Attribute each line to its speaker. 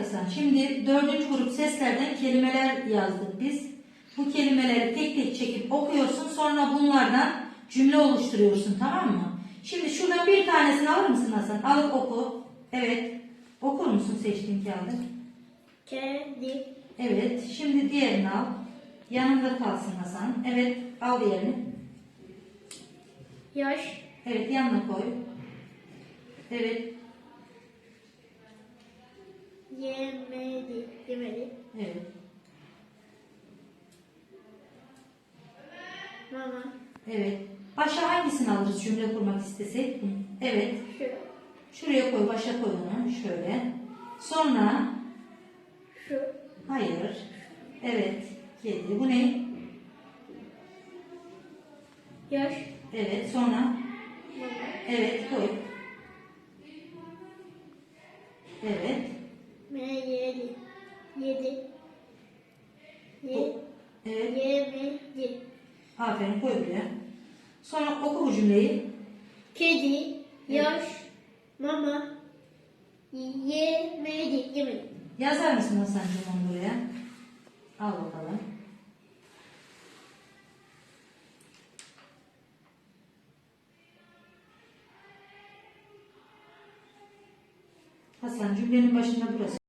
Speaker 1: Hasan, şimdi 4. grup seslerden kelimeler yazdık biz. Bu kelimeleri tek tek çekip okuyorsun. Sonra bunlardan cümle oluşturuyorsun, tamam mı? Şimdi şuradan bir tanesini alır mısın Hasan? Alıp oku. Evet. Okur musun seçtiğin kağıdı?
Speaker 2: Kedi.
Speaker 1: Evet. Şimdi diğerini al. Yanında kalsın Hasan. Evet. Al diğerini.
Speaker 2: Yaş.
Speaker 1: Evet. Yanına koy. Evet.
Speaker 2: Yemedi. Yemedi.
Speaker 1: Evet.
Speaker 2: Mama.
Speaker 1: Evet. Başa hangisini alırız cümle kurmak istesek? Evet.
Speaker 2: Şu.
Speaker 1: Şuraya koy. Başa koy onu. Şöyle. Sonra
Speaker 2: Şu.
Speaker 1: hayır. Evet. Kedi. Bu ne?
Speaker 2: Yaş.
Speaker 1: Evet. Sonra
Speaker 2: Mama.
Speaker 1: evet. Koy. Evet.
Speaker 2: Yedi. Yedi.
Speaker 1: Evet.
Speaker 2: Yemedi.
Speaker 1: Aferin. Koy buraya. Sonra oku bu cümleyi.
Speaker 2: Kedi. Yaş. Mama. Yemedi. Yemedi.
Speaker 1: Yazar mısın Hasan'cığım onu buraya? Al bakalım. Hasan, cümlenin başında burası.